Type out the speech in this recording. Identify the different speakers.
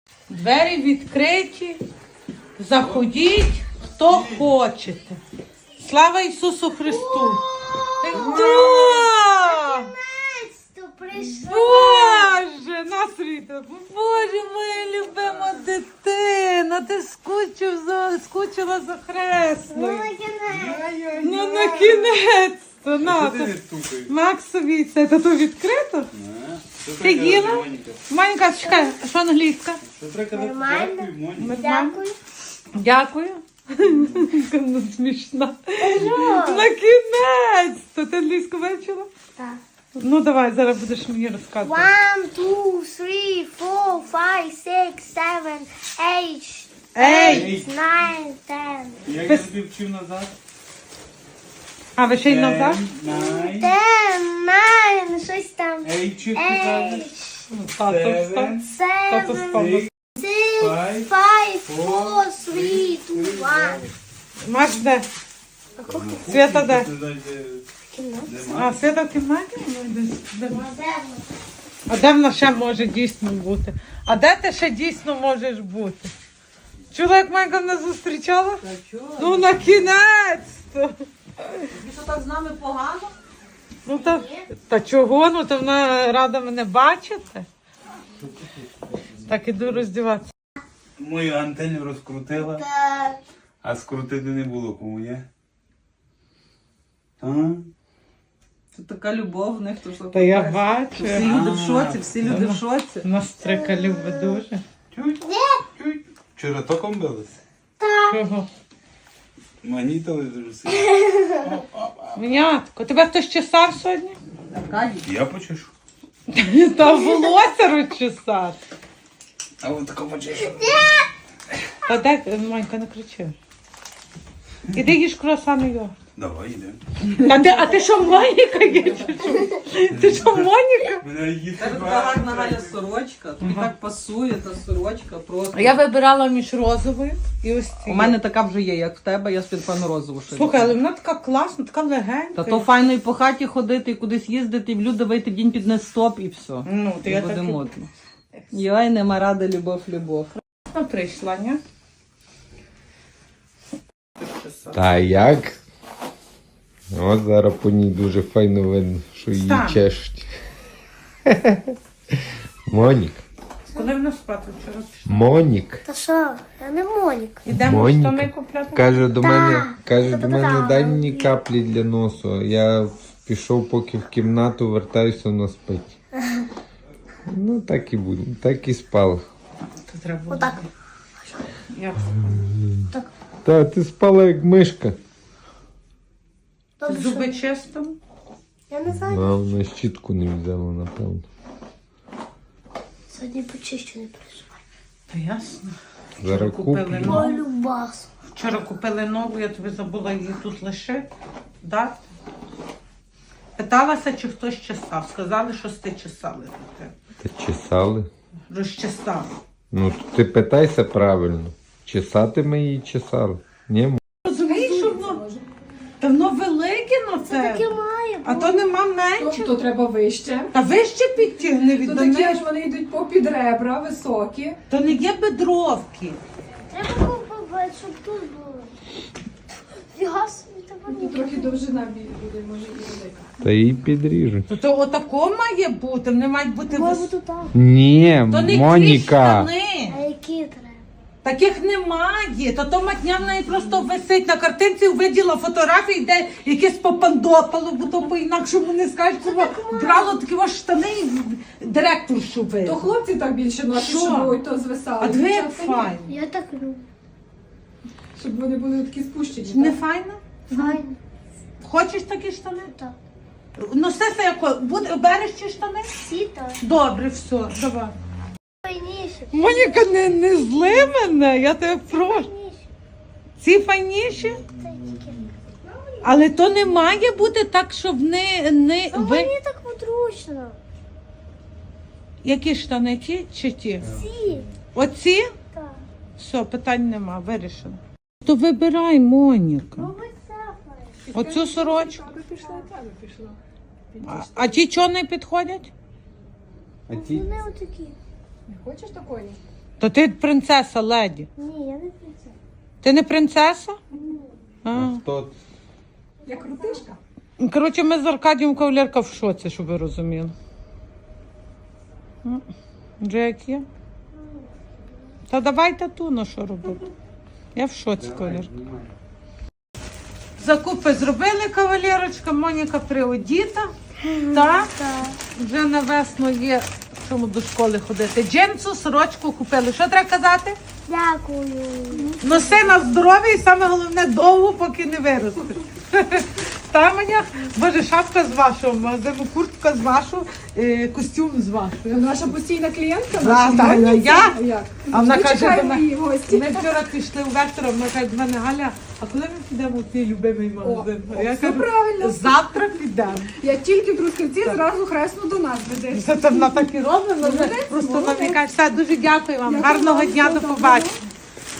Speaker 1: Двері відкриті. Заходіть, хто хочете. Слава Ісусу Христу! Да! Боже, Насріта, Боже, моя любима дитина, ти скучила за хресною. Ну, на кінець-то, на. Максові, це тут відкрито? Ти їла? Манька, чекай, а що англійська?
Speaker 2: Нормально.
Speaker 1: Дякую. Дякую. Ну, смішна. На кінець-то. Ти англійську вивчила?
Speaker 2: Так.
Speaker 1: Ну, давай, зараз будеш мені розказувати.
Speaker 2: 1, 2, 3, 4, 5, 6, 7, 8,
Speaker 1: Ей!
Speaker 2: 9, 10.
Speaker 3: Як я тобі вчив назад?
Speaker 1: А, ви ще й назад?
Speaker 3: 9,
Speaker 2: 10, 9, щось там.
Speaker 3: 8, чи ти кажеш?
Speaker 1: Тато встав.
Speaker 3: 7,
Speaker 1: Тато
Speaker 2: 7,
Speaker 1: встав.
Speaker 2: 6, 5, 4, 3, 2, 1.
Speaker 1: Маш де? Свята де?
Speaker 3: Ти знаєш,
Speaker 1: А, Свята в кімнаті? Ну, десь. А де вона ще може дійсно бути? А де ти ще дійсно можеш бути? Чула, як Майка мене зустрічала? Ну, на кінець-то.
Speaker 4: Ти що так з нами погано?
Speaker 1: Ну, та чого? Ну, то вона рада мене бачити. Так, іду роздіватися.
Speaker 3: мою антенну розкрутила,
Speaker 2: Так.
Speaker 3: а скрутити не було кому, ні? А?
Speaker 4: Тут така любов в них, то що
Speaker 1: Та я
Speaker 4: капець.
Speaker 1: бачу.
Speaker 4: Всі люди в шоці, всі люди в шоці.
Speaker 1: Настрика любить дуже.
Speaker 3: Чуть, чуть. Вчора током билися?
Speaker 1: Чого?
Speaker 3: Манітали дуже сильно.
Speaker 1: Мінятко, тебе хтось чесав сьогодні?
Speaker 4: Аркадій.
Speaker 3: Я почешу.
Speaker 1: Та волосся розчесати.
Speaker 3: А от тако почешу.
Speaker 1: Та де, Манька, не кричи. Іди їж круасани його.
Speaker 3: Давай, йдемо.
Speaker 1: А ти що, Моніка є? чи що? Ти що, Моніка?
Speaker 3: Мене їсти
Speaker 4: Тебе така гарна Галя сорочка, тобі так пасує та сорочка просто.
Speaker 1: Я вибирала між розовою і ось
Speaker 4: У
Speaker 1: цією.
Speaker 4: мене така вже є, як в тебе, я собі певно розову шию.
Speaker 1: Слухай, але вона така класна, така легенька.
Speaker 4: Та то файно і по хаті ходити, і кудись їздити, і в люди вийти в день під стоп і все.
Speaker 1: Ну, то
Speaker 4: І
Speaker 1: я
Speaker 4: буде
Speaker 1: так
Speaker 4: модно. Йой, нема ради, любов.
Speaker 1: і прийшла, ні?
Speaker 5: Та як? От зараз по ній дуже файно видно, що її
Speaker 1: Стань.
Speaker 5: чешуть. Монік.
Speaker 1: Коли вона спати вчора пішла?
Speaker 5: Монік.
Speaker 2: Та що? Я не Моніка.
Speaker 1: Ідемо
Speaker 5: Моніка.
Speaker 1: штани купляти?
Speaker 5: Каже до мене,
Speaker 2: Та-та-та.
Speaker 5: дай мені каплі для носу. Я пішов поки в кімнату, вертаюся, вона спить. Ну так і буде, так і спала.
Speaker 1: То треба було.
Speaker 2: Отак.
Speaker 1: Як?
Speaker 5: Та ти спала як мишка.
Speaker 2: Добре,
Speaker 1: Зуби
Speaker 2: що?
Speaker 1: чисто?
Speaker 2: Я не знаю.
Speaker 5: А вона щітку не взяла, напевно.
Speaker 2: Сьогодні почищу, не переживай.
Speaker 1: Та ясно.
Speaker 5: Зараз
Speaker 1: Купили
Speaker 5: куплю.
Speaker 1: нову.
Speaker 2: Ой, любас.
Speaker 1: Вчора купили нову, я тобі забула її тут лишити. Дати. Питалася, чи хтось чесав. Сказали, що ти чесали.
Speaker 5: Та чесали.
Speaker 1: Розчесали.
Speaker 5: Ну ти питайся правильно. Чесати ми її чесали. Ні,
Speaker 1: Розумієш, що воно давно велике на
Speaker 2: Таке
Speaker 1: це,
Speaker 2: має.
Speaker 1: а то нема менше.
Speaker 6: То треба вище.
Speaker 1: Та вище підтягни від
Speaker 6: То
Speaker 1: до
Speaker 6: такі
Speaker 1: неї.
Speaker 6: ж вони йдуть попід ребра, високі.
Speaker 1: То не є бедровки.
Speaker 2: Треба купувати, щоб тут було. Фіга собі тебе
Speaker 6: І трохи довжина буде, може і велика.
Speaker 5: та її підріжуть.
Speaker 1: То отако має бути, вони мають бути
Speaker 2: Може
Speaker 1: вис...
Speaker 2: бути так.
Speaker 5: Ні,
Speaker 1: То не ті
Speaker 5: Моніка.
Speaker 1: штани.
Speaker 2: А які треба?
Speaker 1: Таких немає. То матня в неї просто висить на картинці, виділа фотографії, де якесь попандопало, бо то по-інакшому не скажеш, кого брало такі ваші штани і директоршу
Speaker 6: То
Speaker 1: видно.
Speaker 6: хлопці так більше носять,
Speaker 1: Що?
Speaker 6: щоб ой, то звисали.
Speaker 1: А диви, як
Speaker 6: Дівчатка ні.
Speaker 1: файно.
Speaker 2: Я так люблю.
Speaker 6: Щоб вони були такі спущені.
Speaker 1: Не
Speaker 6: так?
Speaker 1: файно?
Speaker 2: Файно.
Speaker 1: Хочеш такі штани?
Speaker 2: Так.
Speaker 1: Носися як береш ці штани?
Speaker 2: Всі так.
Speaker 1: Добре, все, давай.
Speaker 2: Файніше.
Speaker 1: Моніка, не зли мене, я тебе прошу.
Speaker 2: Файніше.
Speaker 1: Ці файніші?
Speaker 2: Та тільки.
Speaker 1: Але то не має бути так, щоб не
Speaker 2: Ну, мені так подручно.
Speaker 1: Які штани, ті чи ті?
Speaker 2: Всі.
Speaker 1: Оці?
Speaker 2: Так.
Speaker 1: Все, питань нема, вирішено. То вибирай, Моніка.
Speaker 2: Ну, ви це файно.
Speaker 1: Оцю сорочку.
Speaker 6: Аби пішла, та би пішла.
Speaker 1: А ті чого не підходять?
Speaker 5: А ті
Speaker 2: Вони отакі.
Speaker 6: Не хочеш такої?
Speaker 1: То ти принцеса, леді.
Speaker 2: Ні, я не принцеса.
Speaker 1: Ти не принцеса? А.
Speaker 5: Хто?
Speaker 6: Я крутишка.
Speaker 1: Коротше, ми з Аркадієм кавалерка в шоці, щоб ви розуміли. Вже як є? Та давайте ту, на що робити. Я в шоці, кавалерка. Закупи зробили, кавалерочка, Моніка приодіта. Так, вже на весну є чому до школи ходити. Джинсу, сорочку купили. Що треба казати?
Speaker 2: Дякую.
Speaker 1: Носи на здоров'я і саме головне довго, поки не виросте. Та мене, боже, шапка з вашого магазину, куртка з вашого, костюм з вашого.
Speaker 6: Наша постійна клієнтка,
Speaker 1: Да,
Speaker 6: наша
Speaker 1: да,
Speaker 6: модниця.
Speaker 1: я?
Speaker 6: Як?
Speaker 1: А вона
Speaker 6: Ми
Speaker 1: каже до
Speaker 6: чекаємо
Speaker 1: мене,
Speaker 6: її в гості.
Speaker 1: ми вчора пішли у Вектора, вона каже до мене, Галя, а коли ми підемо в твій любимий магазин?
Speaker 6: О,
Speaker 1: Я
Speaker 6: все
Speaker 1: кажу,
Speaker 6: правильно.
Speaker 1: завтра підемо.
Speaker 6: Я тільки в Трускавці зразу хресно до нас ведеш.
Speaker 1: Це вона так і робить, просто вона мені каже, все, дуже дякую вам, гарного дня, до побачення.